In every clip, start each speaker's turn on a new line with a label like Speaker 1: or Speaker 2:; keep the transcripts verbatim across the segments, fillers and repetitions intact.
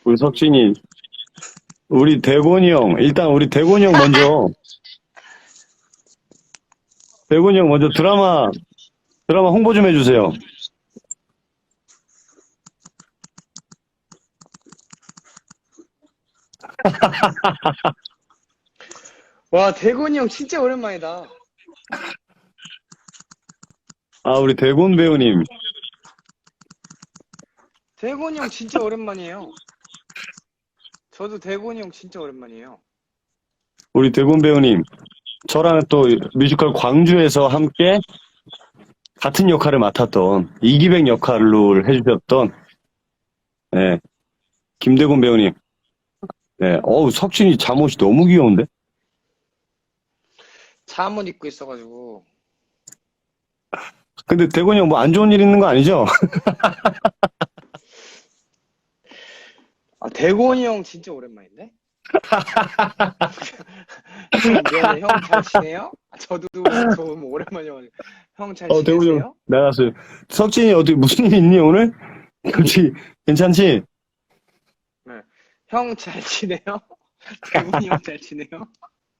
Speaker 1: 우리 석진이, 우리 대곤이 형, 일단 우리 대곤이 형 먼저, 대곤이 형 먼저 드라마, 드라마 홍보 좀 해주세요.
Speaker 2: 와, 대곤이 형 진짜 오랜만이다.
Speaker 1: 아, 우리 대곤 배우님.
Speaker 2: 대곤이 형 진짜 오랜만이에요. 저도 대곤이 형 진짜 오랜만이에요.
Speaker 1: 우리 대곤 배우님. 저랑 또 뮤지컬 광주에서 함께 같은 역할을 맡았던 이기백 역할로 해주셨던, 네, 김대곤 배우님. 네, 어우, 석진이 잠옷이 너무 귀여운데?
Speaker 2: 잠옷 입고 있어가지고.
Speaker 1: 근데 대곤이 형 뭐 안 좋은 일 있는 거 아니죠?
Speaker 2: 아, 대곤이 형 진짜 오랜만인데? 형, 미안해. 형 잘 지내요? 아, 저도 너무 오랜만이어가지고. 형 잘
Speaker 1: 어, 대곤이
Speaker 2: 지내세요?
Speaker 1: 형, 나갔어요. 석진이 어디 무슨 일 있니, 오늘? 그렇지, 괜찮지?
Speaker 2: 형 잘 지내요? 대곤이 형 잘 지내요?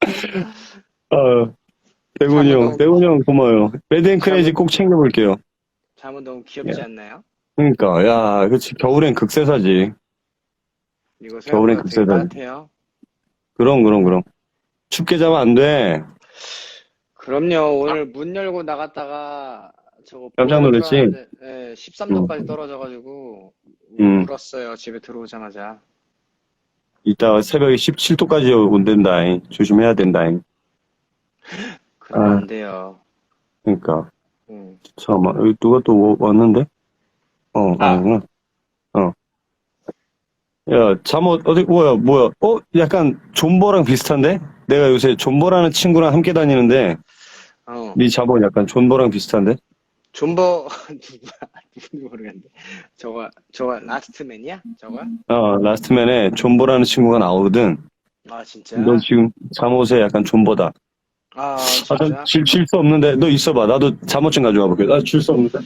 Speaker 1: 어, 대곤이 형, 대곤이 형 고마워요. 매드앤 크레이지 꼭 챙겨볼게요.
Speaker 2: 잠은 너무 귀엽지
Speaker 1: 예.
Speaker 2: 않나요?
Speaker 1: 그러니까, 야, 그치, 겨울엔 극세사지.
Speaker 2: 이거
Speaker 1: 겨울엔
Speaker 2: 생각보다 되게
Speaker 1: 극세다.
Speaker 2: 따뜻해요.
Speaker 1: 그럼, 그럼, 그럼. 춥게 자면 안 돼.
Speaker 2: 그럼요. 오늘 문 열고 나갔다가 저거
Speaker 1: 깜짝
Speaker 2: 보일러
Speaker 1: 놀랐지?
Speaker 2: 들어갔는데, 예, 십삼 도까지 떨어져가지고
Speaker 1: 음.
Speaker 2: 울었어요. 집에 들어오자마자.
Speaker 1: 이따 새벽에 십칠 도까지 온댄다잉. 조심해야 된다잉.
Speaker 2: 그러면
Speaker 1: 아.
Speaker 2: 안 돼요.
Speaker 1: 그러니까.
Speaker 2: 음.
Speaker 1: 잠깐만, 여기 누가 또 왔는데? 어,
Speaker 2: 아.
Speaker 1: 아니구나. 어. 야, 잠옷, 어디, 뭐야, 뭐야. 어? 약간 존버랑 비슷한데? 내가 요새 존버라는 친구랑 함께 다니는데,
Speaker 2: 어.
Speaker 1: 네 잠옷 약간 존버랑 비슷한데?
Speaker 2: 존버 누구야? 누군지 모르겠는데. 저거 저거 라스트맨이야? 저거?
Speaker 1: 어, 라스트맨에 존버라는 친구가 나오거든.
Speaker 2: 아 진짜?
Speaker 1: 너 지금 잠옷에 약간 존버다.
Speaker 2: 아
Speaker 1: 아,
Speaker 2: 진짜?
Speaker 1: 전 질, 질 수 없는데, 너 있어봐. 나도 잠옷 좀 가져와 볼게. 나 질 수 없는데.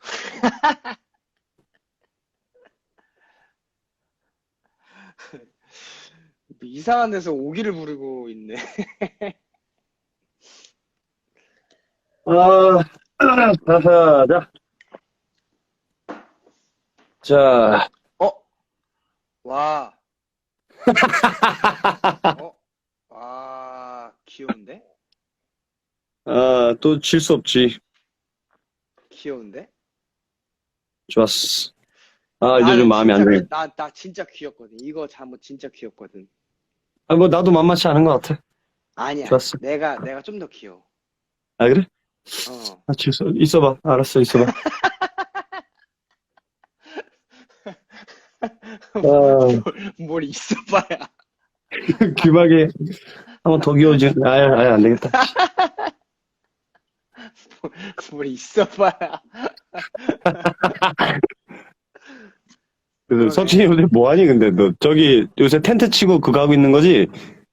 Speaker 2: 이상한 데서 오기를 부르고 있네.
Speaker 1: 아, 자, 자. 자,
Speaker 2: 어? 와. 어? 와 귀여운데?
Speaker 1: 아, 또 질 수 없지.
Speaker 2: 귀여운데?
Speaker 1: 좋았어. 아, 이제
Speaker 2: 나는
Speaker 1: 좀 마음이 안
Speaker 2: 진짜
Speaker 1: 드네.
Speaker 2: 귀- 나, 나 진짜 귀엽거든. 이거 잠옷 진짜 귀엽거든.
Speaker 1: 아, 뭐, 나도 만만치 않은 것 같아.
Speaker 2: 아니야.
Speaker 1: 좋았어.
Speaker 2: 내가 내가 좀 더 귀여워.
Speaker 1: 아, 그래?
Speaker 2: 어.
Speaker 1: 아, 질 수, 있어봐. 알았어, 있어봐. 아,
Speaker 2: 뭘 있어봐야.
Speaker 1: 귀마개 한번 더 귀여워지. 아야, 아야, 안 되겠다.
Speaker 2: 뭘 있어봐야.
Speaker 1: 그래서 석진이 요새 뭐하니, 근데 너 저기 요새 텐트 치고 그거 하고 있는 거지?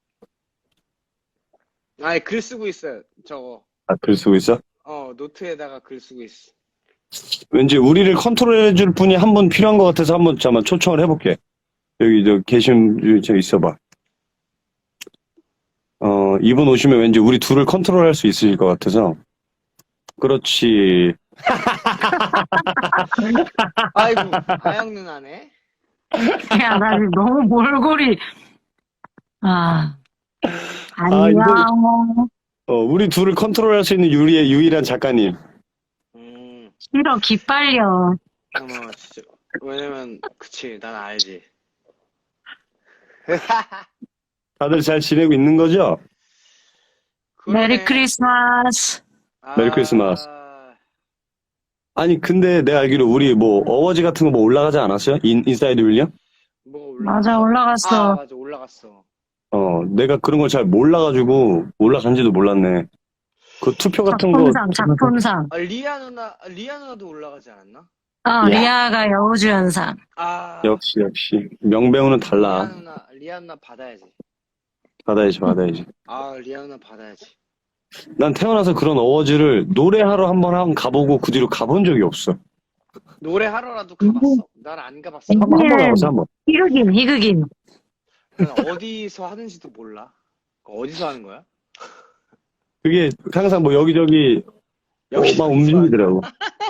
Speaker 2: 아니 글 쓰고 있어요. 저거.
Speaker 1: 아, 글 쓰고 있어?
Speaker 2: 어 노트에다가 글 쓰고 있어.
Speaker 1: 왠지 우리를 컨트롤해줄 분이 한 분 필요한 것 같아서 한번 잠깐 초청을 해볼게. 여기 저 계신 저 있어봐. 어, 이분 오시면 왠지 우리 둘을 컨트롤할 수 있을 것 같아서. 그렇지.
Speaker 2: 아이고 아영 누나네.
Speaker 3: 야, 나 지금 너무 몰골이. 아,
Speaker 1: 아,
Speaker 3: 안녕.
Speaker 1: 어, 우리 둘을 컨트롤할 수 있는 유리의 유일한 작가님.
Speaker 2: 음.
Speaker 3: 싫어, 기빨려.
Speaker 2: 어머 진짜. 왜냐면 그치 난 알지.
Speaker 1: 다들 잘 지내고 있는 거죠?
Speaker 3: 메리 크리스마스.
Speaker 1: 메리 크리스마스.
Speaker 2: 아,
Speaker 1: 아니, 근데 내가 알기로 우리 뭐 어워즈 같은 거 뭐 올라가지 않았어요? 인, 인사이드 윌리엄?
Speaker 2: 뭐 올라갔어?
Speaker 3: 맞아, 올라갔어.
Speaker 2: 아 맞아 올라갔어.
Speaker 1: 어, 내가 그런 걸 잘 몰라가지고 올라간지도 몰랐네. 그 투표 같은 거.
Speaker 3: 작품상, 작품상.
Speaker 2: 아 리아 누나 아, 리아 누나도 올라가지 않았나?
Speaker 3: 어,
Speaker 1: 야.
Speaker 3: 리아가 여우주연상.
Speaker 2: 아
Speaker 1: 역시, 역시. 명배우는
Speaker 2: 리아
Speaker 1: 달라.
Speaker 2: 누나 리아 누나 받아야지.
Speaker 1: 받아야지, 받아야지.
Speaker 2: 아 리아 누나 받아야지.
Speaker 1: 난 태어나서 그런 어워즈를 노래하러 한번 한 가보고 그 뒤로 가본 적이 없어.
Speaker 2: 노래 하러라도 가봤어? 난 안 가봤어.
Speaker 1: 한 번, 한 번 가봤어, 한 번.
Speaker 3: 희극인, 희극인.
Speaker 2: 난 어디서 하는지도 몰라. 어디서 하는 거야?
Speaker 1: 그게 항상 뭐 여기저기
Speaker 2: 여기
Speaker 1: 막 움직이더라고.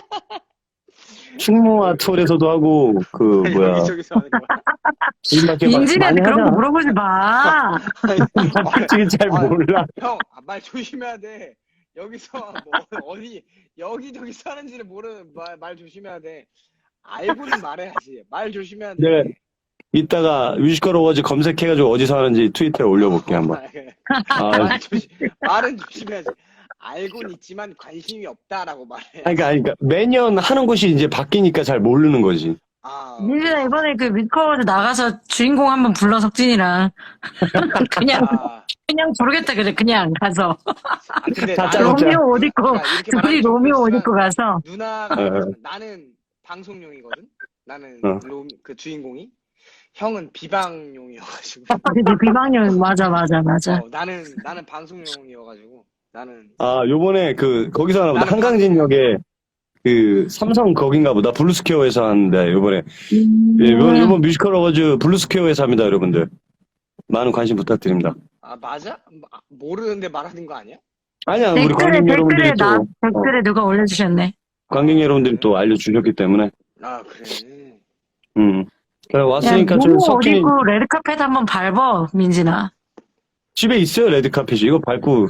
Speaker 1: 충무아톨에서도 하고 그 뭐야
Speaker 2: 여기저기서 하는 거야.
Speaker 1: 이렇게 막
Speaker 3: 민진이한테
Speaker 1: 많이
Speaker 3: 그런 거
Speaker 1: 하잖아.
Speaker 3: 물어보지 마.
Speaker 1: 솔직히 잘
Speaker 2: 아,
Speaker 1: 몰라.
Speaker 2: 형, 아, 말 조심해야 돼. 여기서 뭐 어디 여기저기 사는지를 모르는 말, 말 조심해야 돼. 알고는 말해야지. 말 조심해야 돼.
Speaker 1: 내가 이따가 뮤지컬 어워즈 검색해가지고 어디서 하는지 트위터에 올려볼게 한번. 아,
Speaker 2: 말 조심, 말은 조심해야지. 알고는 있지만 관심이 없다라고 말해.
Speaker 1: 그러니까, 그러니까 매년 하는 곳이 이제 바뀌니까 잘 모르는 거지.
Speaker 2: 아,
Speaker 3: 민진아 이번에 그 뮤지컬 나가서 주인공 한번 불러 석진이랑. 그냥
Speaker 2: 아,
Speaker 3: 그냥 모르겠다 그래 그냥 가서.
Speaker 2: 아, 근데
Speaker 1: 다
Speaker 2: 나는
Speaker 1: 짜먹자.
Speaker 3: 로미오 옷 입고
Speaker 2: 그러니까 이렇게
Speaker 3: 둘이
Speaker 2: 말하면 좀
Speaker 3: 로미오 옷
Speaker 2: 그렇지만
Speaker 3: 입고 가서.
Speaker 2: 누나가
Speaker 1: 어.
Speaker 2: 나는 방송용이거든. 나는
Speaker 1: 어.
Speaker 2: 로, 그 주인공이 형은 비방용이어가지고.
Speaker 3: 근데 비방용 맞아 맞아 맞아.
Speaker 2: 어, 나는 나는 방송용이어가지고 나는
Speaker 1: 아, 요번에 그 거기서 하나 보다.
Speaker 2: 나는
Speaker 1: 한강진역에 그 삼성 거긴가 보다. 블루스퀘어에서 하는데 요번에
Speaker 3: 음.
Speaker 1: 예, 요번, 요번 뮤지컬 어워즈 블루스퀘어에서 합니다, 여러분들. 많은 관심 부탁드립니다.
Speaker 2: 아 맞아? 마- 모르는데 말하는 거 아니야?
Speaker 1: 아니야, 우리
Speaker 3: 댓글에
Speaker 1: 관객
Speaker 3: 댓글에
Speaker 1: 여러분들이
Speaker 3: 나
Speaker 1: 또 어,
Speaker 3: 댓글에 누가 올려주셨네.
Speaker 1: 관객 여러분들이 또 알려주셨기 때문에
Speaker 2: 아 그래.
Speaker 1: 음. 그래
Speaker 3: 야,
Speaker 1: 왔으니까 좀
Speaker 3: 로미오 옷
Speaker 1: 석진이
Speaker 3: 입고 레드카펫 한번 밟어 민진아.
Speaker 1: 집에 있어요, 레드카펫이. 이거 밟고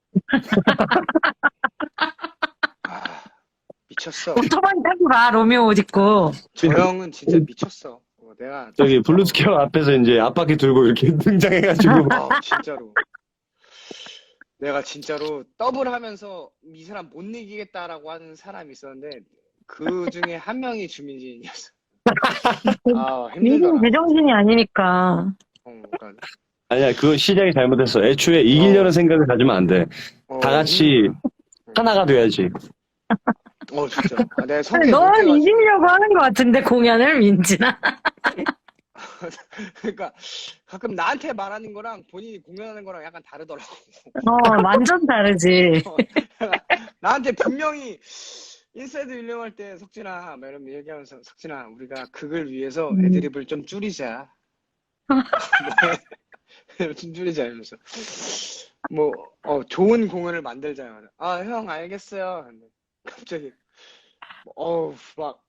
Speaker 2: 아 미쳤어.
Speaker 3: 오토바이 타고 가 로미오 옷 입고.
Speaker 2: 저 형은 진짜 미쳤어. 어, 내가
Speaker 1: 저기 블루스퀘어 앞에서 이제 앞바퀴 들고 이렇게 등장해가지고
Speaker 2: 아 진짜로. 내가 진짜로 더블하면서 이 사람 못 이기겠다라고 하는 사람이 있었는데 그 중에 한 명이 주민진이었어. 아
Speaker 3: 민진
Speaker 2: 힘들더라.
Speaker 3: 제정신이 아니니까.
Speaker 2: 어, 그러니까,
Speaker 1: 아니야, 그거 시작이 잘못했어. 애초에 이기려는
Speaker 2: 어.
Speaker 1: 생각을 가지면 안 돼.
Speaker 2: 어,
Speaker 1: 다 같이
Speaker 2: 힘들더라.
Speaker 1: 하나가 돼야지.
Speaker 2: 어 진짜. 아, 내가
Speaker 3: 근데
Speaker 2: 성격이
Speaker 3: 너는
Speaker 2: 못돼가지고.
Speaker 3: 이기려고 하는 것 같은데 공연을 민진아.
Speaker 2: 그러니까 가끔 나한테 말하는 거랑 본인이 공연하는 거랑 약간 다르더라고.
Speaker 3: 어 완전 다르지.
Speaker 2: 나한테 분명히 인사이드 윌리엄 할 때 석진아 막 이러면 얘기하면서 석진아 우리가 극을 위해서
Speaker 3: 음.
Speaker 2: 애드립을 좀 줄이자. 뭐, 좀 줄이자 이러면서 뭐 어, 좋은 공연을 만들자. 아 형 알겠어요. 근데 갑자기 어우 막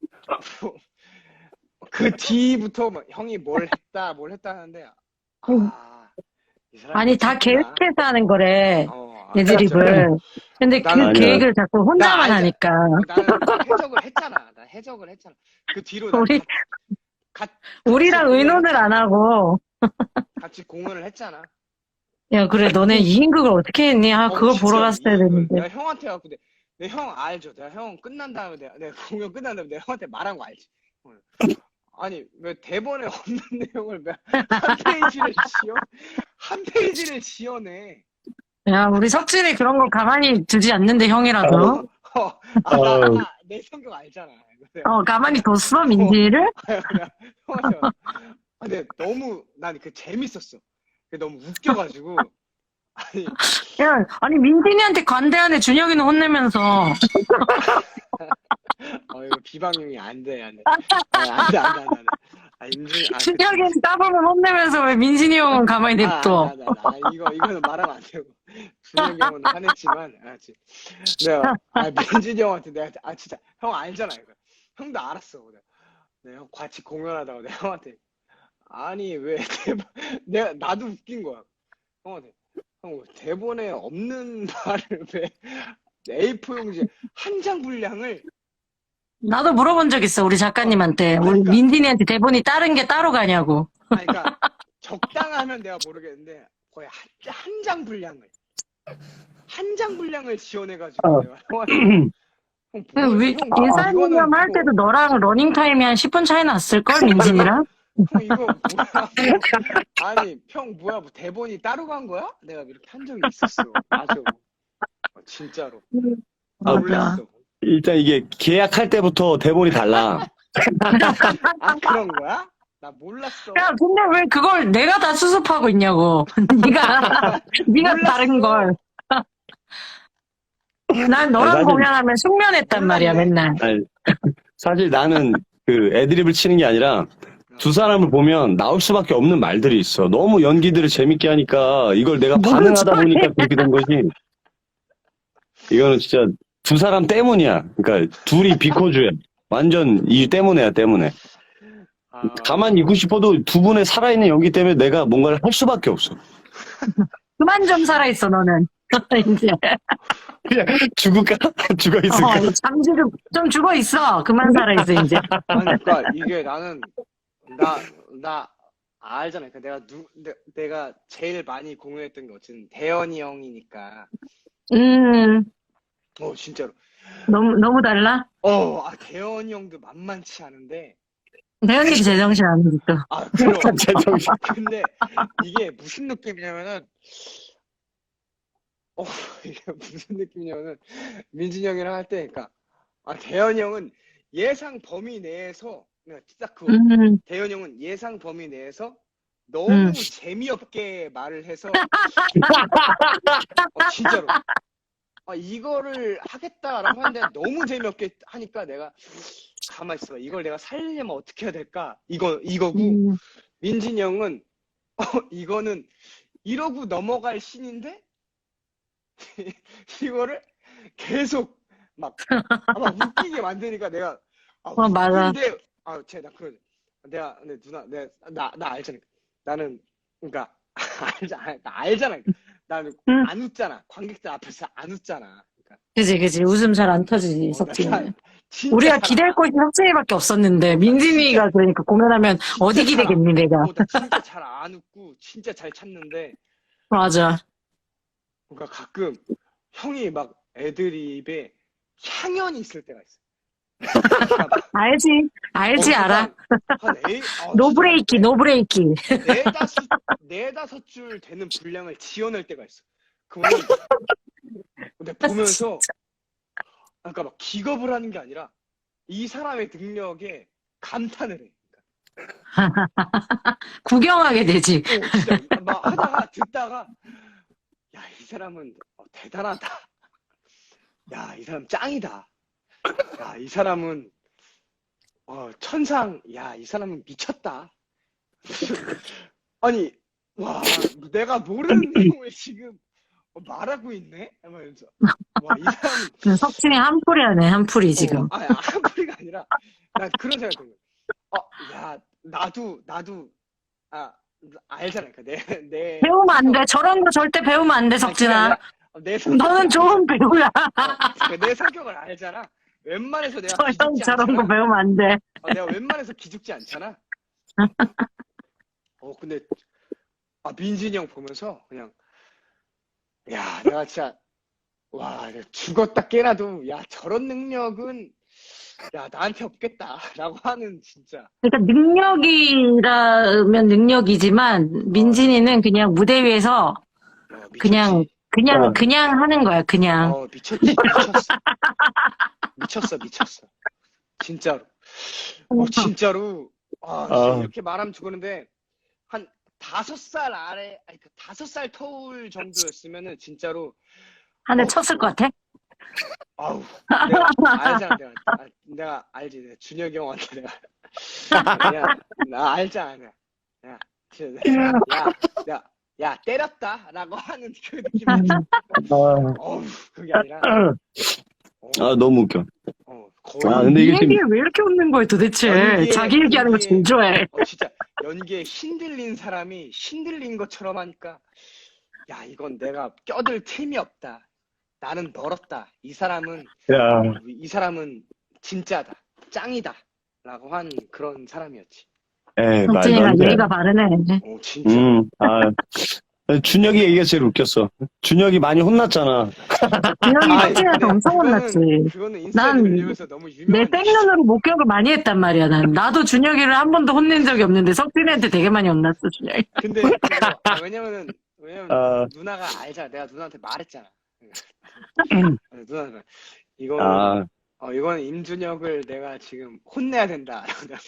Speaker 2: 그 뒤부터 막 형이 뭘 했다 뭘 했다 하는데 아, 이 사람
Speaker 3: 아니 다
Speaker 2: 미쳤구나.
Speaker 3: 계획해서 하는 거래
Speaker 2: 어, 아,
Speaker 3: 애드립을. 근데 그
Speaker 2: 나는
Speaker 1: 아니야.
Speaker 3: 계획을 자꾸 혼자만
Speaker 2: 나 알잖아.
Speaker 3: 하니까.
Speaker 2: 나는 해적을 했잖아. 나 해적을 했잖아. 그 뒤로 나
Speaker 3: 우리-
Speaker 2: 가, 가,
Speaker 3: 우리랑
Speaker 2: 같이
Speaker 3: 의논을 안 하고.
Speaker 2: 같이 공연을 했잖아.
Speaker 3: 야 그래 너네 이인극을 어떻게 했니? 아
Speaker 2: 어,
Speaker 3: 그걸
Speaker 2: 진짜
Speaker 3: 보러 갔어야
Speaker 2: 이걸
Speaker 3: 되는데.
Speaker 2: 내가 형한테 갖고 내, 내 형 알죠. 내가 형 끝난 다음에 내가, 내가 공연 끝난 다음에 내가 형한테 말한 거 알지. 어. 아니 왜 대본에 없는 내용을 왜 한 페이지를 지어 한 페이지를 지어내.
Speaker 3: 야 우리 석진이 그런 거 가만히 두지 않는데 형이라도.
Speaker 2: 어, 아, 나, 나, 내 성격 알잖아. 내가
Speaker 3: 어 가만히 뒀어 민지를?
Speaker 2: 그냥 형한테 말- 아, 근데 너무 난 그 재밌었어. 그게 너무 웃겨가지고 아니
Speaker 3: 야 아니 민진이한테 관대하네 준혁이는 혼내면서.
Speaker 2: 어 이거 비방용이 안 돼, 안 돼. 아, 안 돼, 안 돼, 안 돼, 안 돼. 아, 임준, 아,
Speaker 3: 준혁이는 까불면 혼내면서 왜 민진이 형은 가만히
Speaker 2: 아,
Speaker 3: 냅둬.
Speaker 2: 안 돼, 안 돼, 안 돼. 아, 이거, 이거는 말하면 안 되고. 준혁이 형은 화냈지만, 알았지. 내가, 아, 민준이 형한테 내가, 아, 진짜, 형 알잖아, 이거. 형도 알았어. 내가, 내가 형 같이 공연하다가 내가 형한테, 아니, 왜 대본, 내가, 나도 웃긴 거야. 형한테, 형, 대본에 없는 말을 왜 에이포 용지 한 장 분량을
Speaker 3: 나도 물어본 적 있어 우리 작가님한테. 우리
Speaker 2: 그러니까.
Speaker 3: 민진이한테 대본이 다른 게 따로 가냐고.
Speaker 2: 아니, 그러니까 적당하면 내가 모르겠는데 거의 한, 한 장 분량을 한 장 분량을 지원해가지고
Speaker 1: 어.
Speaker 2: 내가 형한테 형,
Speaker 3: 그
Speaker 2: 뭐,
Speaker 3: 위,
Speaker 2: 형,
Speaker 3: 인사이드럼
Speaker 2: 이거는
Speaker 3: 할
Speaker 2: 뭐,
Speaker 3: 때도 너랑 러닝타임이 한 십 분 차이 났을걸 민진이랑?
Speaker 2: 형 이거 뭐야? 아니 형 뭐야? 뭐 대본이 따로 간 거야? 내가 이렇게 한 적이 있었어. 맞아. 어, 진짜로.
Speaker 1: 아,
Speaker 2: 몰랐어.
Speaker 1: 일단 이게 계약할 때부터 대본이 달라.
Speaker 2: 아 그런 거야? 나 몰랐어.
Speaker 3: 야 근데 왜 그걸 내가 다 수습하고 있냐고. 네가 네가
Speaker 2: 몰랐어.
Speaker 3: 다른 걸. 난 너랑
Speaker 1: 사실-
Speaker 3: 공연하면 숙면했단 말이야
Speaker 2: 몰랐네.
Speaker 3: 맨날.
Speaker 1: 아니, 사실 나는 그 애드립을 치는 게 아니라 두 사람을 보면 나올 수밖에 없는 말들이 있어. 너무 연기들을 재밌게 하니까 이걸 내가
Speaker 3: 뭔
Speaker 1: 반응하다
Speaker 3: 소리야.
Speaker 1: 보니까 그렇게 된 거지. 이거는 진짜 두 사람 때문이야. 그러니까 둘이 비커주야. 완전 이 때문에야, 때문에.
Speaker 2: 아,
Speaker 1: 가만히 있고 싶어도 두 분의 살아있는 연기 때문에 내가 뭔가를 할 수밖에 없어.
Speaker 3: 그만 좀 살아있어, 너는. 이제.
Speaker 1: 그냥 죽을까? 죽어 있을까?
Speaker 3: 어, 잠시 좀, 좀 죽어 있어. 그만 살아있어, 이제.
Speaker 2: 아니, 그러니까 이게 나는 나 나 알잖아. 그러니까 내가 누 내, 내가 제일 많이 공유했던 게 어쨌든 대현이 형이니까.
Speaker 3: 음,
Speaker 2: 어 진짜로.
Speaker 3: 너무, 너무 달라?
Speaker 2: 어, 아 대현이 형도 만만치 않은데.
Speaker 3: 대현이도 제정신 아니지, 또.
Speaker 2: 아 그럼.
Speaker 1: 제정신.
Speaker 2: 근데 이게 무슨 느낌이냐면은 어 이게 무슨 느낌이냐면은 민진이 형이랑 할 때, 그러니까 아 대현이 형은 예상 범위 내에서 그냥 딱 그거.
Speaker 3: 음,
Speaker 2: 대현이 형은 예상 범위 내에서 너무
Speaker 3: 음.
Speaker 2: 재미없게 말을 해서 어, 진짜로 아, 이거를 하겠다라고 하는데 너무 재미없게 하니까 내가 가만 있어봐. 이걸 내가 살리려면 어떻게 해야 될까? 이거 이거고
Speaker 3: 음.
Speaker 2: 민진이 형은 어, 이거는 이러고 넘어갈 신인데 이거를 계속 막, 아, 막 웃기게 만드니까 내가 아,
Speaker 3: 어, 맞아.
Speaker 2: 웃긴데 아, 쟤나 그런 내가 근데 누나 내가 나 나 알잖아. 나는 그러니까 알잖아. 나 알잖아. 나는
Speaker 3: 응.
Speaker 2: 안 웃잖아. 관객들 앞에서 안 웃잖아. 그러니까
Speaker 3: 그지, 그지. 웃음 잘 안 터지지,
Speaker 2: 어, 나
Speaker 3: 석진이는.
Speaker 2: 진짜
Speaker 3: 우리가
Speaker 2: 잘
Speaker 3: 기댈
Speaker 2: 안-
Speaker 3: 곳이 석진이밖에 없었는데,
Speaker 2: 어, 나
Speaker 3: 민진이가
Speaker 2: 진짜-
Speaker 3: 그러니까 공연하면
Speaker 2: 진짜
Speaker 3: 어디
Speaker 2: 잘 안-
Speaker 3: 기대겠니, 내가.
Speaker 2: 어, 나 진짜 잘 안 웃고 진짜 잘 참는데
Speaker 3: 맞아.
Speaker 2: 그러니까 가끔 형이 막 애드립에 향연이 있을 때가 있어. 그러니까 막,
Speaker 3: 알지, 알지,
Speaker 2: 어,
Speaker 3: 알아.
Speaker 2: 한 에이, 어,
Speaker 3: 노브레이키,
Speaker 2: 진짜
Speaker 3: 노브레이키.
Speaker 2: 네다섯 네다섯 줄 되는 분량을 지어낼 때가 있어. 그거는 근데 보면서 그러니까 막 기겁을 하는 게 아니라 이 사람의 능력에 감탄을 해.
Speaker 3: 구경하게 되지.
Speaker 2: 어, 진짜 막 하다가 듣다가 야, 이 사람은 어, 대단하다. 야, 이 사람 짱이다. 야, 이 사람은 어, 천상. 야, 이 사람은 미쳤다. 아니, 와, 내가 모르는 내용을 지금 어, 말하고 있네? 하면서 와, 이 사람은
Speaker 3: 석진이 한풀이하네, 한풀이 지금.
Speaker 2: 어, 아니, 한풀이가 아니라 난 그런 생각이 드는 거야. 어, 야, 나도 나도 아 알잖아. 그러니까 내 내
Speaker 3: 배우면 안 돼. 저런 거 절대 배우면 안 돼,
Speaker 2: 아니, 그게
Speaker 3: 석진아.
Speaker 2: 아니라 어, 내 성격을
Speaker 3: 너는 좋은 배우야.
Speaker 2: 어, 내 성격을 알잖아. 웬만해서 내가
Speaker 3: 저 형
Speaker 2: 기죽지
Speaker 3: 저런 거
Speaker 2: 않잖아.
Speaker 3: 배우면 안 돼.
Speaker 2: 어, 내가 웬만해서 기죽지 않잖아. 어, 근데 아 민진이 형 보면서 그냥 야, 내가 진짜 와, 내가 죽었다 깨나도 야, 저런 능력은 야, 나한테 없겠다라고 하는 진짜
Speaker 3: 그러니까 능력이라면 능력이지만 민진이는 그냥 무대 위에서
Speaker 2: 어, 미쳤지.
Speaker 3: 그냥 그냥
Speaker 1: 어.
Speaker 3: 그냥 하는 거야. 그냥.
Speaker 2: 어, 미쳤지. 미쳤어. 미쳤어, 미쳤어. 진짜로. 어, 진짜로. 아, 진짜
Speaker 1: 어.
Speaker 2: 이렇게 말하면 죽었는데 한 다섯 살 아래, 아니 그 다섯 살 터울 정도였으면은 진짜로
Speaker 3: 한 대
Speaker 2: 어.
Speaker 3: 쳤을 것 같아?
Speaker 2: 아우, 내가 알잖아, 내가 아, 내가 알지, 내가 준혁이 형한테 내가 그냥 나 알잖아, 내가 야, 진짜 내가, 야, 야, 야 때렸다라고 하는 그 느낌이지. 어우, 그게 아니라 어,
Speaker 1: 아, 너무 웃겨.
Speaker 2: 어, 거의
Speaker 1: 아, 근데
Speaker 3: 이
Speaker 1: 이게 지금-
Speaker 3: 얘기를 왜 이렇게 웃는 거야 도대체?
Speaker 2: 연기에-
Speaker 3: 자기 얘기하는 거 제일 좋아해.
Speaker 2: 어, 진짜 연기에 신들린 사람이 신들린 것처럼 하니까 야, 이건 내가 껴들 틈이 없다. 나는 멀었다. 이 사람은
Speaker 1: 야,
Speaker 2: 이 사람은 진짜다. 짱이다. 라고 한 그런 사람이었지.
Speaker 1: 에이, 말도
Speaker 3: 석진이가
Speaker 1: 안 돼.
Speaker 3: 예의가 바르네.
Speaker 2: 어, 진짜.
Speaker 1: 음, 아, 준혁이 얘기가 제일 웃겼어. 준혁이 많이 혼났잖아.
Speaker 3: 준혁이
Speaker 2: 아,
Speaker 3: 석진이한테
Speaker 2: 근데
Speaker 3: 엄청
Speaker 2: 그거는-
Speaker 3: 혼났지.
Speaker 2: 그거는 인스타에
Speaker 3: 난
Speaker 2: 올리면서 너무
Speaker 3: 내
Speaker 2: 유명한
Speaker 3: 백눈으로 목격을 많이 했단 말이야. 난 나도 준혁이를 한 번도 혼낸 적이 없는데 석진이한테 되게 많이 혼났어 준혁이.
Speaker 2: 근데 그거, 아, 왜냐면은 왜냐면
Speaker 1: 아.
Speaker 2: 누나가 알잖아. 내가 누나한테 말했잖아.
Speaker 1: 음.
Speaker 2: 누나가 이거
Speaker 1: 아,
Speaker 2: 어 이건 임준혁을 내가 지금 혼내야 된다라고 내가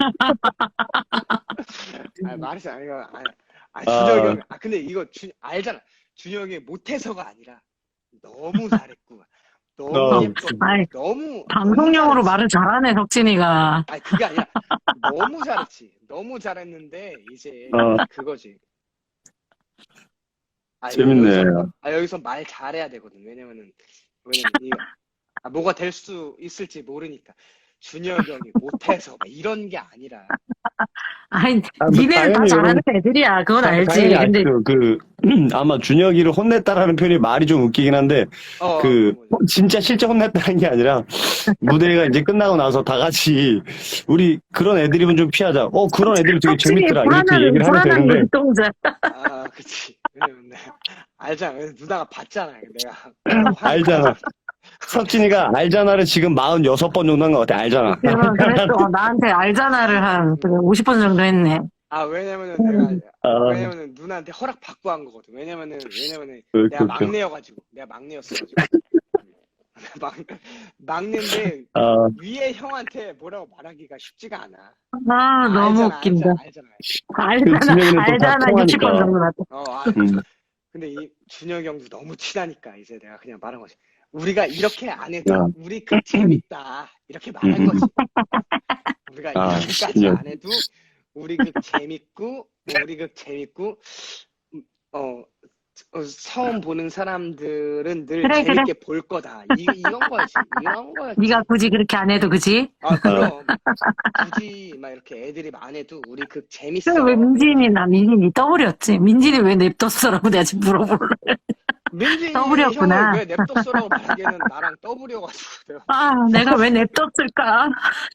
Speaker 2: 말했어. 아, 말했어. 이거 아, 아 준혁이 형. 아 근데 이거 주, 알잖아. 준혁이 못해서가 아니라 너무 잘했고 너무
Speaker 1: 어.
Speaker 2: 예뻤고
Speaker 3: 아이,
Speaker 2: 너무
Speaker 3: 방송용으로
Speaker 2: 너무 잘했지.
Speaker 3: 말을 잘하네 석진이가.
Speaker 2: 아니 그게 아니라 너무 잘했지. 너무 잘했는데 이제
Speaker 1: 어.
Speaker 2: 그거지. 아,
Speaker 1: 재밌네.
Speaker 2: 여기서, 아, 여기서 말 잘해야 되거든. 왜냐면은, 왜냐면, 이, 아, 뭐가 될 수 있을지 모르니까. 준혁이 형이 못해서, 막 이런 게 아니라.
Speaker 3: 아니,
Speaker 1: 아, 뭐
Speaker 3: 니네는 다
Speaker 1: 당연히
Speaker 3: 잘하는
Speaker 1: 여러분,
Speaker 3: 애들이야. 그건
Speaker 1: 다- 당연히
Speaker 3: 알지. 근데
Speaker 1: 아시죠. 그, 아마 준혁이를 혼냈다라는 표현이 말이 좀 웃기긴 한데,
Speaker 2: 어, 어,
Speaker 1: 그,
Speaker 2: 그런 거지.
Speaker 1: 진짜 실제 혼냈다는 게 아니라, 무대가 이제 끝나고 나서 다 같이, 우리 그런 애드립은 좀 피하자. 어, 그런 애드립 되게
Speaker 3: 확실히
Speaker 1: 재밌더라. 이렇게
Speaker 3: 불안한,
Speaker 1: 얘기를 하면
Speaker 3: 불안한
Speaker 1: 되는데,
Speaker 3: 눈동자.
Speaker 2: 아, 그치. 왜냐면 내가, 알잖아. 누나가 봤잖아. 내가.
Speaker 1: 알잖아. 석진이가 알잖아를 지금 마흔여섯 번 정도 한 것 같아. 알잖아.
Speaker 3: 그럼 그랬어. 나한테 알잖아를 한 오십 번 정도 했네.
Speaker 2: 아, 왜냐면은 내가,
Speaker 1: 아,
Speaker 2: 왜냐면은 누나한테 허락 받고 한 거거든. 왜냐면은, 왜냐면은
Speaker 1: 그,
Speaker 2: 내가
Speaker 1: 그, 그.
Speaker 2: 막내여가지고. 내가 막내였어가지고. 막, 막내인데,
Speaker 1: 아,
Speaker 2: 위에 형한테 뭐라고 말하기가 쉽지가 않아.
Speaker 3: 아, 너무
Speaker 2: 알잖아,
Speaker 3: 웃긴다.
Speaker 2: 알잖아, 알잖아.
Speaker 1: 그
Speaker 3: 알잖아,
Speaker 1: 진혁이는 또 다
Speaker 3: 알잖아. 육십 번
Speaker 1: 통하니까.
Speaker 3: 정도 났다.
Speaker 2: 어, 아,
Speaker 1: 음.
Speaker 2: 근데 이 준혁이 형도 너무 친하니까 이제 내가 그냥 말한 거지. 우리가 이렇게 안 해도
Speaker 1: 야.
Speaker 2: 우리 그 재밌다. 이렇게 말할
Speaker 1: 음, 음,
Speaker 2: 거지. 우리가
Speaker 1: 아,
Speaker 2: 이렇게까지
Speaker 1: 진혁.
Speaker 2: 안 해도 우리 그 재밌고, 우리 그 재밌고, 음, 어, 어, 처음 보는 사람들은 늘
Speaker 3: 그래, 그래.
Speaker 2: 재밌게 볼 거다. 이, 이런 거지. 이런 거였지.
Speaker 3: 네가 굳이 그렇게 안 해도 그지?
Speaker 2: 아, 그럼. 굳이 막 이렇게 애들이 안 해도 우리 그 재밌어.
Speaker 3: 그래, 왜 민진이, 나 민진이 떠버렸지? 민진이 왜 냅뒀어라고 내가 지금 물어볼래.
Speaker 2: 민진이
Speaker 3: 떠버렸구나.
Speaker 2: 형을 왜 냅뒀어라고 말하기에는 나랑 떠버려가지고 내가
Speaker 3: 아, 내가 왜 냅뒀을까?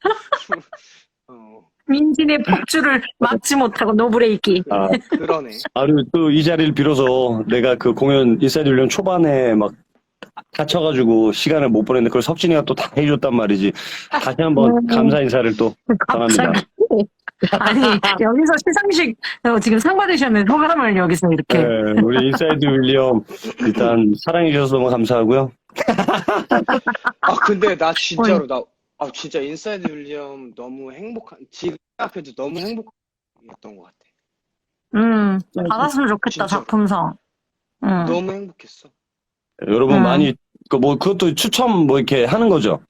Speaker 2: 어
Speaker 3: 민진의 폭주를 막지 못하고 노브레이키.
Speaker 1: 아,
Speaker 2: 그러네.
Speaker 1: 아, 그리고 또 이 자리를 빌어서 내가 그 공연 인사이드 훈련 초반에 막 다쳐가지고 시간을 못 보냈는데 그걸 석진이가 또 다 해줬단 말이지. 다시 한번
Speaker 3: 음.
Speaker 1: 감사 인사를 또 전합니다.
Speaker 3: 갑자기. 아니, 여기서 시상식, 어, 지금 상 받으셨는데 소감을 여기서 이렇게.
Speaker 1: 네, 우리 인사이드 윌리엄 일단 사랑해주셔서 너무 감사하고요.
Speaker 2: 아 근데 나 진짜로 나 아 진짜 인사이드 윌리엄 너무 행복한 지금 생각해도 너무 행복했던 것 같아.
Speaker 3: 음, 받았으면 좋겠다,
Speaker 2: 진짜로.
Speaker 3: 작품상. 음.
Speaker 2: 너무 행복했어.
Speaker 1: 여러분
Speaker 3: 음.
Speaker 1: 많이 그 뭐 그것도 추첨 뭐 이렇게 하는 거죠.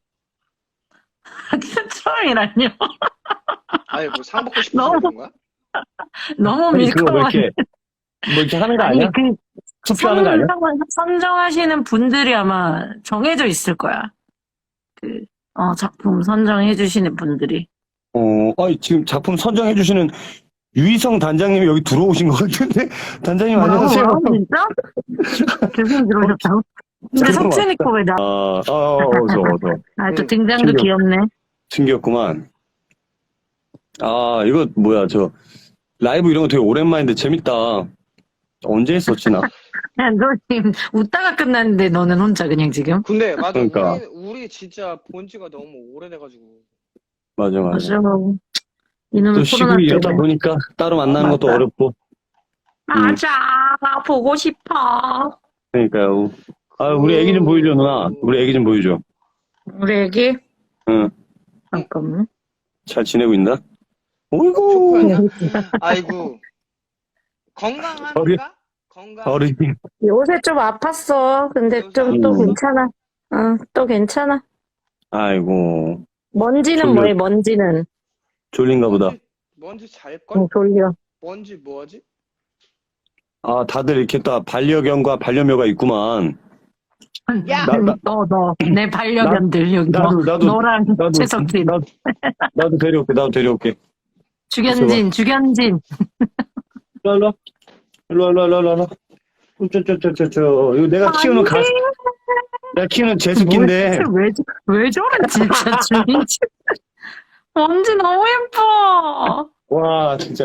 Speaker 3: 처음이라뇨.
Speaker 2: 아니 뭐 상 받고 싶어서
Speaker 3: 너무
Speaker 2: 그런 거야?
Speaker 3: 너무
Speaker 1: 아니 그거 뭐
Speaker 3: 밀크만.
Speaker 1: 이렇게 뭐 이렇게 하는 거
Speaker 3: 아니,
Speaker 1: 아니야?
Speaker 3: 그,
Speaker 1: 투표하는 거 아니야?
Speaker 3: 선정, 선정하시는 분들이 아마 정해져 있을 거야. 그, 어, 작품 선정해주시는 분들이.
Speaker 1: 어, 아니, 지금 작품 선정해주시는 유희성 단장님이 여기 들어오신 것 같은데? 단장님 안녕하세요.
Speaker 3: 뭐라고, 진짜? 교수님 들어오셨다고? 근데
Speaker 1: 그런
Speaker 3: 석진이
Speaker 1: 것
Speaker 3: 거 왜 나,
Speaker 1: 아, 아, 어서, 어서.
Speaker 3: 아, 또
Speaker 2: 응,
Speaker 3: 등장도
Speaker 1: 신기하다.
Speaker 3: 귀엽네.
Speaker 1: 신기했구만. 아, 이거 뭐야, 저, 라이브 이런 거 되게 오랜만인데 재밌다. 언제 했었지, 나?
Speaker 3: 야, 너 지금 웃다가 끝났는데 너는 혼자 그냥 지금?
Speaker 2: 근데 맞아
Speaker 1: 그러니까.
Speaker 2: 우리 우리 진짜 본 지가 너무 오래돼가지고
Speaker 1: 맞아, 맞아.
Speaker 3: 맞아. 이놈의
Speaker 1: 또
Speaker 3: 코로나
Speaker 1: 시국이 이러다
Speaker 3: 때문에.
Speaker 1: 보니까 따로 만나는 것도
Speaker 3: 맞아.
Speaker 1: 어렵고.
Speaker 3: 맞아, 나 보고 싶어.
Speaker 1: 그러니까요. 아, 우리 애기 좀 보여줘, 누나. 우리 애기 좀 보여줘.
Speaker 3: 우리 애기?
Speaker 1: 응.
Speaker 3: 잠깐만.
Speaker 1: 잘 지내고 있나? 어이구.
Speaker 2: 초코였냐? 아이고 건강합니까? 건강.
Speaker 1: 어린이.
Speaker 3: 요새 좀 아팠어. 근데 좀 또
Speaker 1: 음.
Speaker 3: 괜찮아. 응, 또 괜찮아.
Speaker 1: 아이고.
Speaker 3: 먼지는
Speaker 1: 졸려.
Speaker 3: 뭐해, 먼지는?
Speaker 1: 졸린가 보다.
Speaker 2: 뭔지, 뭔지 잘걸?
Speaker 3: 응, 졸려.
Speaker 2: 뭔지 뭐지?
Speaker 1: 아, 다들 이렇게 다 반려견과 반려묘가 있구만.
Speaker 2: 야!
Speaker 1: 나, 나,
Speaker 3: 너, 너, 내 반려견들, 여기.
Speaker 1: 나도,
Speaker 3: 너,
Speaker 1: 나도,
Speaker 3: 너랑
Speaker 1: 나도,
Speaker 3: 최석진.
Speaker 1: 나도, 나도 데려올게, 나도 데려올게.
Speaker 3: 주견진, 주견진.
Speaker 1: 일로, 일로, 일로, 일로, 일로, 일로. 저, 저, 저, 저, 저, 이거 내가 키우는 가, 내가 키우는 제습기인데,
Speaker 3: 뭐, 왜, 왜 저래, 진짜, 주인지. 먼지 너무 예뻐.
Speaker 1: 와, 진짜.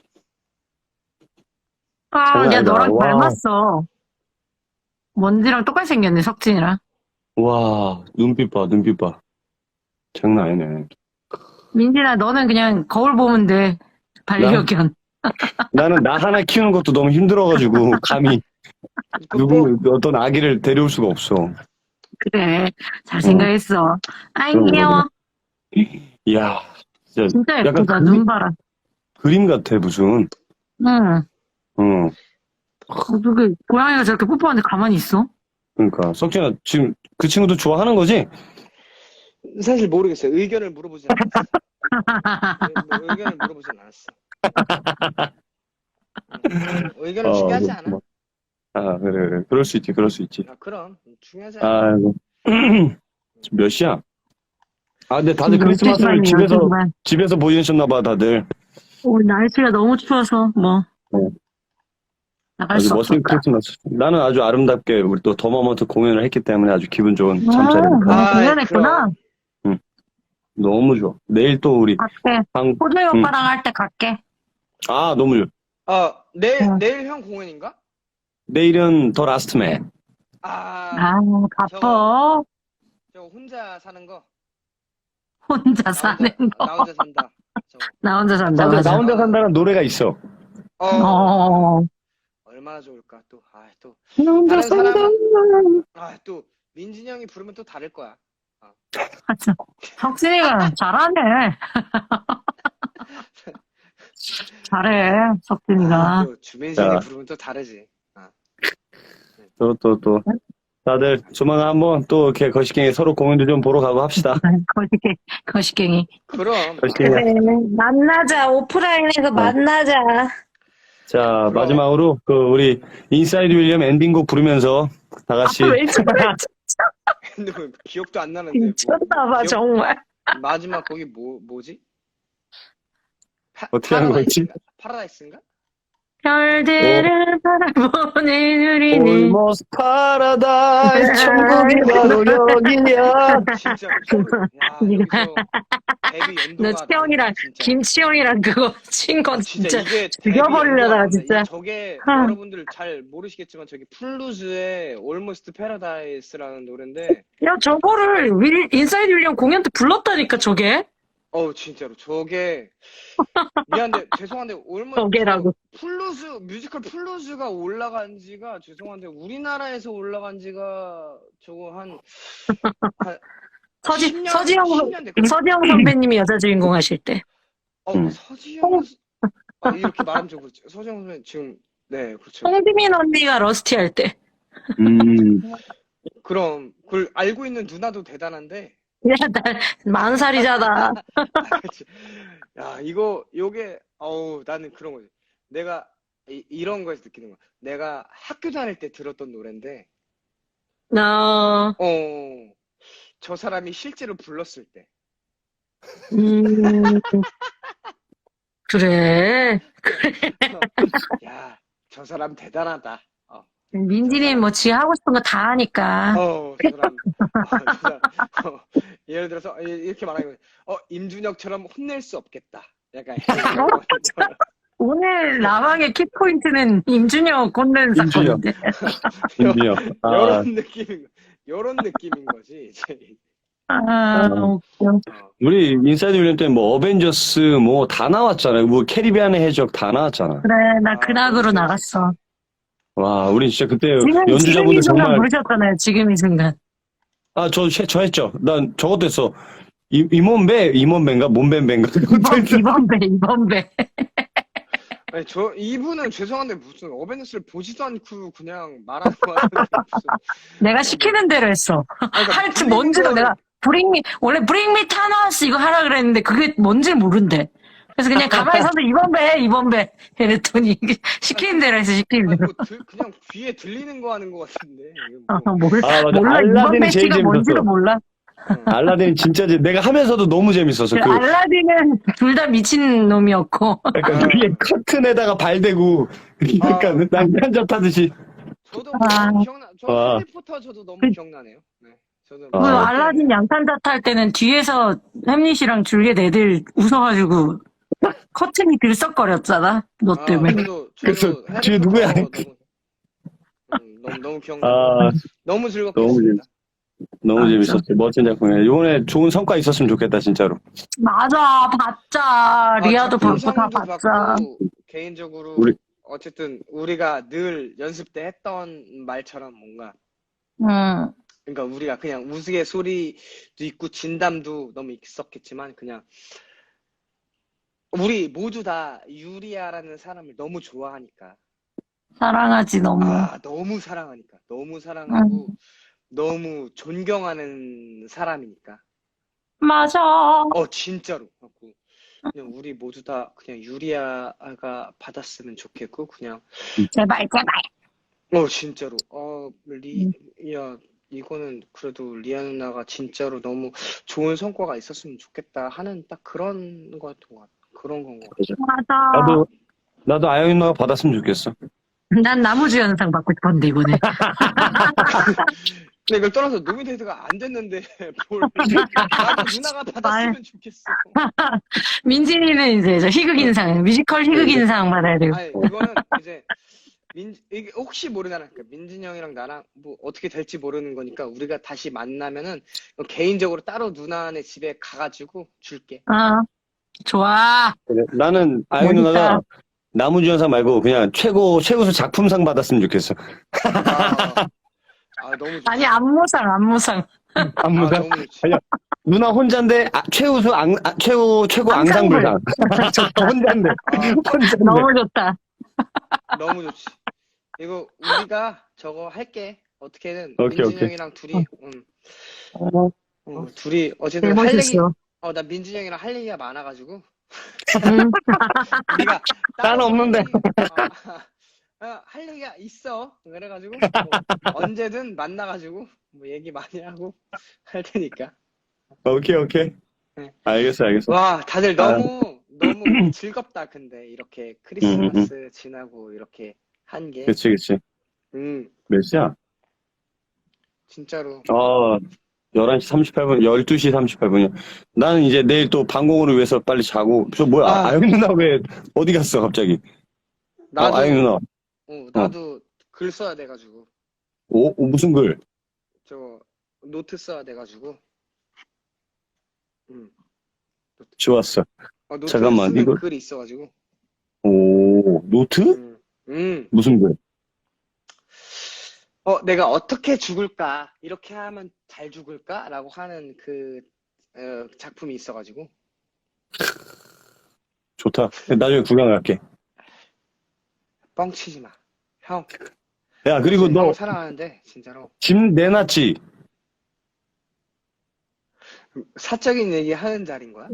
Speaker 3: 아,
Speaker 1: 장난
Speaker 3: 야,
Speaker 1: 아니다.
Speaker 3: 너랑
Speaker 1: 와.
Speaker 3: 닮았어. 먼지랑 똑같이 생겼네, 석진이랑.
Speaker 1: 와, 눈빛 봐, 눈빛 봐. 장난 아니네.
Speaker 3: 민진아, 너는 그냥 거울 보면 돼. 반려견.
Speaker 1: 나는 나 하나 키우는 것도 너무 힘들어가지고, 감히,
Speaker 2: 그 뭐,
Speaker 1: 누구, 어떤 아기를 데려올 수가 없어.
Speaker 3: 그래, 잘 생각했어. 아이,
Speaker 1: 그럼,
Speaker 3: 귀여워.
Speaker 1: 이야, 진짜,
Speaker 3: 진짜
Speaker 1: 약간
Speaker 3: 예쁘다,
Speaker 1: 그림-
Speaker 3: 눈 봐라.
Speaker 1: 그림 같아, 무슨.
Speaker 3: 응.
Speaker 1: 응.
Speaker 3: 어, 그게, 고양이가 저렇게 뽀뽀하는데 가만히 있어?
Speaker 1: 그러니까, 석진아, 지금 그 친구도 좋아하는 거지?
Speaker 2: 사실 모르겠어요. 의견을 물어보지 않았어요. 뭐 의견을 물어보진 않았어. 응. 의견은
Speaker 1: 어,
Speaker 2: 중요하지
Speaker 1: 그,
Speaker 2: 않아.
Speaker 1: 뭐. 아, 그래, 그래. 그럴 수 있지, 그럴 수 있지.
Speaker 2: 아, 그럼 중요하지 않아.
Speaker 1: 아이고. 지금 몇 시야? 아, 근데 다들
Speaker 3: 지금 열두 시
Speaker 1: 크리스마스를
Speaker 3: 반이에요,
Speaker 1: 집에서,
Speaker 3: 열두 시 반.
Speaker 1: 집에서 보내셨나 봐, 다들.
Speaker 3: 오늘 날씨가 너무 추워서, 뭐,
Speaker 1: 네.
Speaker 3: 나갈
Speaker 1: 아주
Speaker 3: 수
Speaker 1: 멋진
Speaker 3: 없었다.
Speaker 1: 크리스마스. 나는 아주 아름답게 우리 또 더머먼트 공연을 했기 때문에 아주 기분 좋은
Speaker 3: 아,
Speaker 1: 잠자리를 가.
Speaker 3: 오늘
Speaker 2: 아이,
Speaker 3: 공연했구나.
Speaker 2: 그럼.
Speaker 1: 응, 너무 좋아. 내일 또 우리
Speaker 3: 갈게.
Speaker 1: 방,
Speaker 3: 호주이
Speaker 1: 응.
Speaker 3: 오빠랑 할 때 갈게.
Speaker 1: 아, 너무 좋아.
Speaker 2: 어, 내일,
Speaker 3: 응.
Speaker 2: 내일 형 공연인가?
Speaker 1: 내일은 더 라스트맨.
Speaker 2: 아,
Speaker 3: 아,
Speaker 2: 저거,
Speaker 3: 바빠.
Speaker 2: 저거 혼자 사는 거.
Speaker 3: 혼자
Speaker 2: 나
Speaker 3: 사는
Speaker 2: 혼자,
Speaker 3: 거.
Speaker 2: 나 혼자 산다. 저거.
Speaker 3: 나 혼자 산다,
Speaker 1: 맞아, 나
Speaker 3: 맞아.
Speaker 1: 혼자 산다는 노래가 있어.
Speaker 2: 어,
Speaker 3: 어,
Speaker 2: 얼마나 좋을까, 또. 아, 또.
Speaker 3: 나 혼자
Speaker 2: 다른
Speaker 3: 산다.
Speaker 2: 사람은, 아, 또, 민진이 형이 부르면 또 다를 거야.
Speaker 3: 맞아. 석진이가 잘하네. 잘해,
Speaker 2: 아,
Speaker 3: 석진이가.
Speaker 2: 또, 주민생이
Speaker 1: 자.
Speaker 2: 부르면 또 다르지. 아,
Speaker 1: 또, 또, 또. 다들 조만간 한번 또 이렇게 거시경이 서로 공연도 좀 보러 가고 합시다.
Speaker 3: 거시갱, 거시갱이.
Speaker 2: 그럼.
Speaker 1: 거시경이.
Speaker 3: 그래, 만나자. 오프라인에서 만나자.
Speaker 1: 자,
Speaker 2: 그럼.
Speaker 1: 마지막으로 그 우리 인사이드 윌리엄 엔딩곡 부르면서 다 같이
Speaker 3: 아, 왜 저래?
Speaker 2: 근데 뭐 기억도 안 나는데. 뭐,
Speaker 3: 미쳤나봐,
Speaker 2: 기억-
Speaker 3: 정말.
Speaker 2: 마지막 거기 뭐, 뭐지? 파,
Speaker 1: 어떻게 하는 거지?
Speaker 2: 파라다이스인가? 파라다이스인가?
Speaker 3: 별들을 바라보는 우리는.
Speaker 1: Almost Paradise 천국이 바로 여기야.
Speaker 2: 진짜. 야, 여기서 데뷔 연도가.
Speaker 3: 너 채영이랑,
Speaker 2: 진짜.
Speaker 3: 김치영이랑 그거 친 건
Speaker 2: 진짜,
Speaker 3: 진짜.
Speaker 2: 이게 데뷔
Speaker 3: 죽여버리려다가
Speaker 2: 연도가
Speaker 3: 진짜.
Speaker 2: 이- 저게
Speaker 3: 아.
Speaker 2: 여러분들 잘 모르시겠지만 저기 플루즈의 Almost Paradise라는 노래인데
Speaker 3: 야, 저거를 윌, 인사이드 윌리엄 공연 때 불렀다니까, 저게?
Speaker 2: 어우 진짜로 저게 미안한데 죄송한데 Almost
Speaker 3: 저게라고.
Speaker 2: 플루즈 뮤지컬 플루즈가 올라간 지가 죄송한데 우리나라에서 올라간 지가 저거 한, 한
Speaker 3: 서지,
Speaker 2: 십 년,
Speaker 3: 서지영,
Speaker 2: 십 년 됐거든.
Speaker 3: 서지영 선배님이 여자 주인공 하실 때.
Speaker 2: 어,
Speaker 1: 음.
Speaker 2: 서지영 어, 이렇게 말하면 좀 그렇죠. 서지영 선배님 지금 네 그렇죠.
Speaker 3: 홍지민 언니가 러스티 할 때.
Speaker 1: 음.
Speaker 2: 그럼 그걸 알고 있는 누나도 대단한데
Speaker 3: 야, 나, 만 살이잖아.
Speaker 2: 아, 그치. 야, 이거, 요게, 어우, 나는 그런 거지. 내가, 이, 이런 거에서 느끼는 거야. 내가 학교 다닐 때 들었던 노래인데,
Speaker 3: 나,
Speaker 2: 어, 저 사람이 실제로 불렀을 때.
Speaker 3: 음, 그래.
Speaker 2: 야, 저 사람 대단하다. 어,
Speaker 3: 민진이 뭐 지 하고 싶은 거 다 하니까.
Speaker 2: 어, 저 사람, 어, 저 사람, 어, 예를 들어서, 이- 이렇게 말하는 거지. 어, 임준혁처럼 혼낼 수 없겠다. 약간, 이런 거.
Speaker 3: 오늘 라방의 키포인트는 임준혁 꼰대는
Speaker 1: 임준혁.
Speaker 3: 사건인데.
Speaker 1: 임준혁. 아,
Speaker 2: 요런 느낌인, 거- 요런 느낌인 거지, 이제.
Speaker 3: 아, 웃겨.
Speaker 2: 어.
Speaker 1: 우리 인사이드 윌리엄 때는 뭐 어벤져스 뭐 다 나왔잖아요. 뭐 캐리비안의 해적 다 나왔잖아.
Speaker 3: 그래, 나
Speaker 2: 아,
Speaker 3: 근학으로
Speaker 2: 너무
Speaker 3: 나갔어.
Speaker 1: 와, 우리 진짜 그때
Speaker 3: 지금, 지금 이
Speaker 1: 연주자분들
Speaker 3: 순간
Speaker 1: 정말
Speaker 3: 부르셨잖아요, 지금 이 순간.
Speaker 1: 아, 저, 저 했죠. 난 저것도 했어. 이, 임원배, 임원배인가? 몸배인가?
Speaker 3: 이번, 이번 배, 이번 배.
Speaker 2: 아니, 저, 이분은 죄송한데 무슨 어벤져스를 보지도 않고 그냥 말하는 거 같은데 무슨.
Speaker 3: 내가 시키는 대로 했어.
Speaker 2: 아니, 그러니까
Speaker 3: 할지
Speaker 2: 불리는
Speaker 3: 뭔지도
Speaker 2: 거를-
Speaker 3: 내가 브링미 원래 브링미 타노스 이거 하라 그랬는데 그게 뭔지 모른대. 그래서 그냥 가만히 서서 이번 배 이번 배 이랬더니 이게 시키는 대로 해서 시키는
Speaker 2: 아니,
Speaker 3: 대로.
Speaker 2: 뭐 들- 그냥 귀에 들리는 거 하는 거 같은데. 이거
Speaker 3: 어,
Speaker 2: 뭐.
Speaker 3: 몰라
Speaker 1: 아, 맞아.
Speaker 3: 몰라 이번
Speaker 1: 알라딘이 제일
Speaker 3: 배치가 뭔지도
Speaker 1: 재밌었어.
Speaker 3: 몰라.
Speaker 2: 응.
Speaker 1: 알라딘이 진짜 재- 내가 하면서도 너무 재밌었어. 그
Speaker 3: 알라딘은 둘 다 미친 놈이었고.
Speaker 1: 약간
Speaker 2: 아.
Speaker 1: 위에 커튼에다가 발 대고 약간
Speaker 2: 아.
Speaker 1: 난간접 타듯이.
Speaker 2: 저도 뭐
Speaker 3: 아.
Speaker 2: 기억나. 저
Speaker 1: 와.
Speaker 2: 해리포터 저도 너무
Speaker 3: 그-
Speaker 2: 기억나네요. 네. 저도
Speaker 1: 아.
Speaker 3: 그
Speaker 2: 뭐
Speaker 3: 알라딘 양탄자 탈 때는 뒤에서 햄릿이랑 줄리엣 애들 웃어가지고 커튼이 들썩거렸잖아. 너
Speaker 2: 아,
Speaker 3: 때문에.
Speaker 2: 저도
Speaker 1: 그래서
Speaker 2: 저도
Speaker 1: 뒤에
Speaker 2: 해리포터
Speaker 1: 누구야?
Speaker 2: 너무 음, 너무 너무 기억나.
Speaker 1: 아,
Speaker 2: 너무 즐겁게
Speaker 1: 너무
Speaker 2: 했습니다.
Speaker 1: 너무
Speaker 3: 맞아.
Speaker 1: 재밌었어. 멋진 작품이야. 이번에 좋은 성과 있었으면 좋겠다, 진짜로.
Speaker 3: 맞아, 봤자. 리아도
Speaker 2: 작품
Speaker 3: 받고 다
Speaker 2: 상도
Speaker 3: 봤자.
Speaker 2: 받고, 개인적으로
Speaker 1: 우리-
Speaker 2: 어쨌든 우리가 늘 연습 때 했던 말처럼 뭔가
Speaker 3: 응.
Speaker 2: 그러니까 우리가 그냥 우스갯소리도 있고 진담도 너무 있었겠지만 그냥 우리 모두 다 유리아라는 사람을 너무 좋아하니까
Speaker 3: 사랑하지, 너무.
Speaker 2: 아 너무 사랑하니까 너무 사랑하고 너무 존경하는 사람이니까
Speaker 3: 맞아.
Speaker 2: 어 진짜로 갖고 그냥 우리 모두 다 그냥 유리아가 받았으면 좋겠고, 그냥,
Speaker 3: 제발, 제발.
Speaker 2: 어, 진짜로. 어, 리,
Speaker 3: 음.
Speaker 2: 야, 이거는 그래도 리아 누나가 진짜로 너무 좋은 성과가 있었으면 좋겠다 하는 딱 그런 거였던 것 같아. 그런 건 것 같아.
Speaker 3: 맞아.
Speaker 1: 나도, 나도 아영이 누나가 받았으면 좋겠어.
Speaker 3: 난 나무주 연상 받고 싶었는데, 이번에.
Speaker 2: 근데 이걸 떠나서 노미네이트가 안 됐는데, 뭘. 나도 누나가 받았으면 좋겠어.
Speaker 3: 민진이는 이제 저 희극인상, 뮤지컬 희극인상 받아야 되고.
Speaker 2: 아니, 이거는 이제, 민, 이게 혹시 모르잖아. 그러니까 민진이 형이랑 나랑 뭐 어떻게 될지 모르는 거니까 우리가 다시 만나면은 개인적으로 따로 누나네 집에 가가지고 줄게.
Speaker 3: 아, 좋아.
Speaker 1: 그래. 나는 아영이
Speaker 3: 멋있다.
Speaker 1: 누나가 나무주연상 말고 그냥 최고, 최우수 작품상 받았으면 좋겠어.
Speaker 2: 아, 아, 너무 좋지.
Speaker 3: 아니, 안무상, 안무상.
Speaker 2: 아,
Speaker 1: 안무상?
Speaker 2: 너무 좋지.
Speaker 1: 아니야. 누나 혼자인데, 아, 최우수 앙, 아, 최고, 최고
Speaker 3: 앙상블.
Speaker 1: 앙상블상. 혼자인데.
Speaker 2: 아,
Speaker 1: 혼자인데.
Speaker 3: 너무 좋다.
Speaker 2: 너무 좋지. 이거 우리가 저거 할게. 어떻게든
Speaker 1: 오케이,
Speaker 2: 민진이
Speaker 1: 오케이.
Speaker 2: 형이랑 둘이, 응,
Speaker 1: 어,
Speaker 2: 응, 둘이
Speaker 3: 제일
Speaker 2: 어쨌든 할 얘기,
Speaker 3: 멋있어.
Speaker 2: 어, 나 민진이 형이랑 할 얘기가 많아가지고
Speaker 3: 응.
Speaker 2: 우리가
Speaker 1: 나는
Speaker 2: 따로
Speaker 1: 없는데.
Speaker 2: 할 얘기, 어, 어, 할 얘기가 있어. 그래가지고 뭐 언제든 만나가지고 뭐 얘기 많이 하고 할 테니까.
Speaker 1: 오케이, 오케이.
Speaker 2: 네.
Speaker 1: 알겠어, 알겠어.
Speaker 2: 와, 다들
Speaker 1: 아.
Speaker 2: 너무 너무 즐겁다. 근데 이렇게 크리스마스 지나고 이렇게 한 게,
Speaker 1: 그치, 그치.
Speaker 2: 음,
Speaker 1: 몇 시야?
Speaker 2: 진짜로.
Speaker 1: 어, 열한 시 삼십팔 분, 열두 시 삼십팔 분이야. 나는 이제 내일 또 방공호를 위해서 빨리 자고. 저 뭐야,
Speaker 2: 아.
Speaker 1: 아, 영이 누나 왜, 어디 갔어, 갑자기?
Speaker 2: 나도
Speaker 1: 어, 아영이 누나.
Speaker 2: 어, 나도 글 써야 돼가지고
Speaker 1: 오, 오, 무슨 글?
Speaker 2: 저 노트 써야 돼가지고. 음,
Speaker 1: 좋았어.
Speaker 2: 어, 노트
Speaker 1: 잠깐만,
Speaker 2: 쓰는
Speaker 1: 이거-
Speaker 2: 글이 있어가지고.
Speaker 1: 오, 노트?
Speaker 2: 음, 음.
Speaker 1: 무슨 글?
Speaker 2: 어, 내가 어떻게 죽을까? 이렇게 하면 잘 죽을까? 라고 하는 그 어, 작품이 있어가지고.
Speaker 1: 좋다. 나중에 구경 갈게.
Speaker 2: 뻥치지 마. 형.
Speaker 1: 야, 그리고
Speaker 2: 진짜
Speaker 1: 너
Speaker 2: 형 사랑하는데 진짜로.
Speaker 1: 집 내놨지?
Speaker 2: 사적인 얘기 하는 자리인 거야?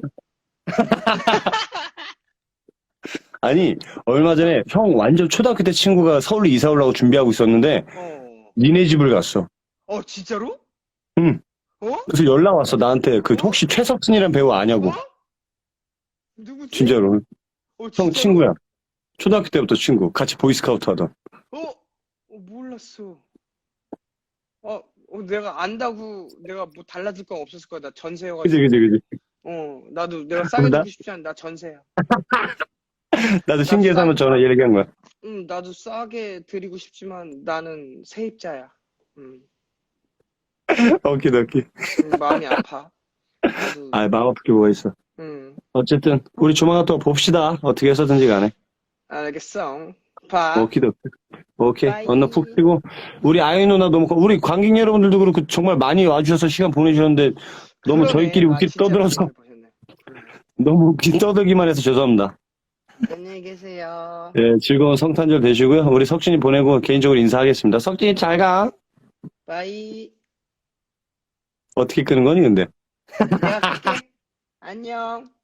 Speaker 1: 아니, 얼마 전에 형 완전 초등학교 때 친구가 서울로 이사 오려고 준비하고 있었는데,
Speaker 2: 어.
Speaker 1: 니네 집을 갔어.
Speaker 2: 어, 진짜로?
Speaker 1: 응.
Speaker 2: 어?
Speaker 1: 그래서 연락 왔어, 나한테. 그, 혹시 최석순이라는 배우 아냐고.
Speaker 2: 어? 누구지?
Speaker 1: 진짜로.
Speaker 2: 어,
Speaker 1: 형
Speaker 2: 진짜로?
Speaker 1: 친구야. 초등학교 때부터 친구. 같이 보이스카우트 하던.
Speaker 2: 어? 어, 몰랐어. 어, 어, 내가 안다고 내가 뭐 달라질 건 없었을 거야. 나 전세여가지고.
Speaker 1: 그지, 그지, 그지.
Speaker 2: 어, 나도 내가 싸게
Speaker 1: 나-
Speaker 2: 주고 싶지 않아. 나 전세야.
Speaker 1: 나도 신기해서 한번 전화 얘기한 거야.
Speaker 2: 응, 나도 싸게 드리고 싶지만 나는 세입자야. 응,
Speaker 1: 오케이, 오케이.
Speaker 2: 응, 마음이 아파. 나도,
Speaker 1: 아, 마음 아프게 뭐가 있어.
Speaker 2: 응,
Speaker 1: 어쨌든, 우리 조만간 또 봅시다. 어떻게 해서든지 간에.
Speaker 2: 알겠어. 봐.
Speaker 1: 오케이, 오케이. 오케이.
Speaker 2: 바이.
Speaker 1: 언나 푹 쉬고. 우리 아이 누나 너무, 고- 우리 관객 여러분들도 그렇고 정말 많이 와주셔서 시간 보내주셨는데, 너무
Speaker 2: 그러네.
Speaker 1: 저희끼리
Speaker 2: 아,
Speaker 1: 웃기
Speaker 2: 진짜
Speaker 1: 떠들어서,
Speaker 2: 많이 보셨네. 응.
Speaker 1: 너무 웃기 떠들기만 해서 죄송합니다.
Speaker 2: 안녕히 계세요.
Speaker 1: 예, 즐거운 성탄절 되시고요. 우리 석진이 보내고 개인적으로 인사하겠습니다. 석진이 잘 가.
Speaker 2: 바이.
Speaker 1: 어떻게 끄는 거니, 근데?
Speaker 2: 내가 갈게. 안녕.